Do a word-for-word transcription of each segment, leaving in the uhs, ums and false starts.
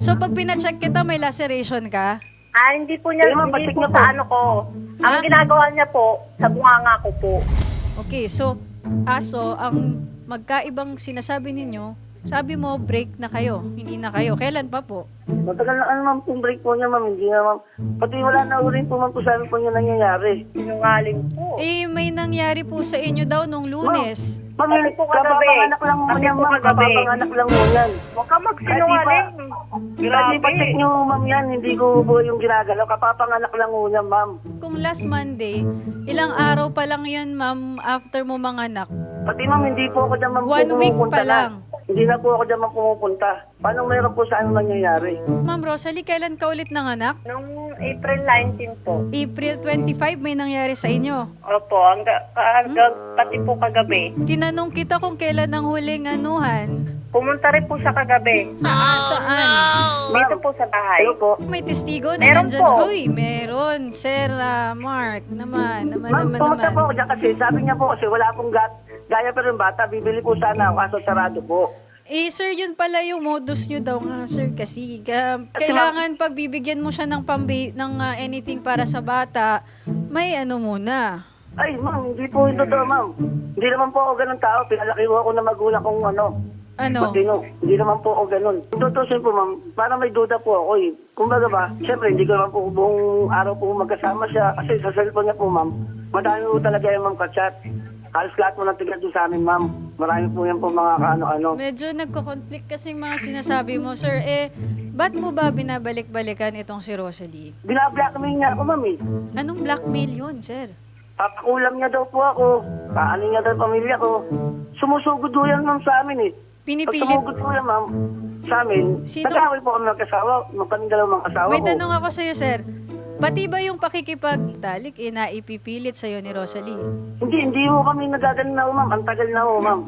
So pag pina-check kita, may laceration ka? Ah, hindi po niya, Eh, ma'am, hindi patik po na sa po. ano ko. Ang Ha? ginagawa niya po, sa bunganga ko po. Okay, so aso, ang magkaibang sinasabi ninyo, sabi mo break na kayo, hindi na kayo. Kailan pa po? Matagal na ano ma'am, kung break po niya ma'am, hindi na ma'am. Pati wala na rin po ma'am kung saan po niya nangyayari. Sinungaling po. Eh, may nangyari po sa inyo daw nung Lunes. Ma'am, Pati po kagabi. kapapanganak lang mo Pati yan po ma'am, kagabi. kapapanganak lang mo yan. Huwag ka magsinungaling. Kasi Grabe. pag-check niyo ma'am yan, hindi ko po yung ginagalaw, kapapanganak lang mo yan ma'am. Kung last Monday, ilang araw pa lang yun, ma'am, after mo manganak. Pati ma'am, hindi po ako dyan ma'am One week pumupunta pa na. lang. Hindi na po ako dyan ma'am pumupunta. Paano meron po sa ano nangyayari? Ma'am Rosalie, kailan ka ulit nanganak? Nung April nineteenth po. April twenty-five, may nangyari sa inyo. Opo, hangga, hangga, pati po kagabi. Tinanong kita kung kailan ang huling anuhan. Pumunta rin po siya kagabi. Saan? Saan? Dito po sa bahay. Hello po. May testigo na Meron nandyan. po. Uy, meron. Sir ah, Mark, naman, naman, Ma'am, naman, pumunta naman. po ako dyan kasi sabi niya po kasi wala pong gat. Gaya pero yung bata, bibili po sana ako kaso sarado po. Eh, sir, yun pala yung modus nyo daw nga, sir. Kasi ah, kailangan pag bibigyan mo siya ng, pambi- ng ah, anything para sa bata, may ano muna. Ay, ma'am, hindi po yung totoo, ma'am. Hindi naman po ako ganun tao. Pinalaki ko ako na magulang kong ano. Ano? Matino. Hindi naman po ako ganun. Yung tutusin po, ma'am, parang may duda po ako eh. Kumbaga ba, siyempre, hindi ko naman po buong araw po magkasama siya. Kasi sa cellphone niya po, ma'am, madami po talaga yung ma'am ka-chat. Halos lahat mo ng tigad doon sa amin, ma'am. Marami po yan po mga kaano-ano. Medyo nagko-conflict kasi yung mga sinasabi mo, sir. Eh, ba't mo ba binabalik-balikan itong si Rosalie? Binablackmail niya ako, ma'am eh. Anong blackmail yun, sir? Papakulam niya daw po ako. Paano niya daw yung pamilya ko. Sumusugod po yan, ma'am, sa amin eh. Pag Pinipilit. sumugod po yan, ma'am, sa amin, Sino- nag-away po kami magkasawa. Kaming dalawang asawa May ko. tanong ako sa'yo, sir. Pati ba yung pakikipagtalik, eh, naipipilit sa'yo ni Rosalie? Hindi, hindi po kami nagagaling na ho, ma'am. Ang tagal na ho, ma'am.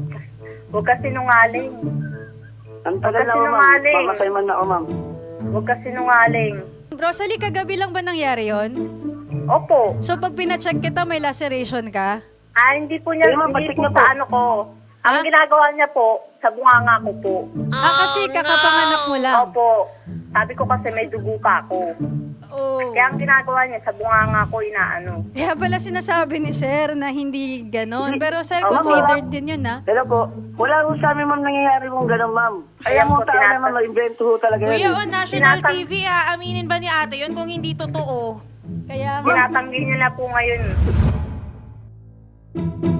Huwag ka sinungaling. Ang tagal na ho, ma'am. Sinungaling. Pamatay man na ho, ma'am. Huwag ka sinungaling. Rosalie, kagabi lang ba nangyari yon? Opo. So pag pina-check kita, may laceration ka? Ah, hindi po niya, Eh, ma'am, hindi patik po na sa po. ano ko. Ang Ha? ginagawa niya po, sa bunganga ko po. ah, kasi kakapanganak mo lang. Opo. Sabi ko kasi may dugo ka ako. Oh. Kaya ang ginagawa niya, sa bunganga ko inaano. Kaya pala sinasabi ni sir na hindi ganon. Pero sir, Oo, considered din yun, ha? Hello po. Wala ho sa amin, ma'am, nangyayari kong gano'n, ma'am. Kaya Ayan mo po, tao tinatag- naman, mag-invento ho talaga Kuya, yan. on eh. national Tinatang- T V, aaminin ba ni ate yun kung hindi totoo? Kaya nga. Tinatanggi niya na po ngayon.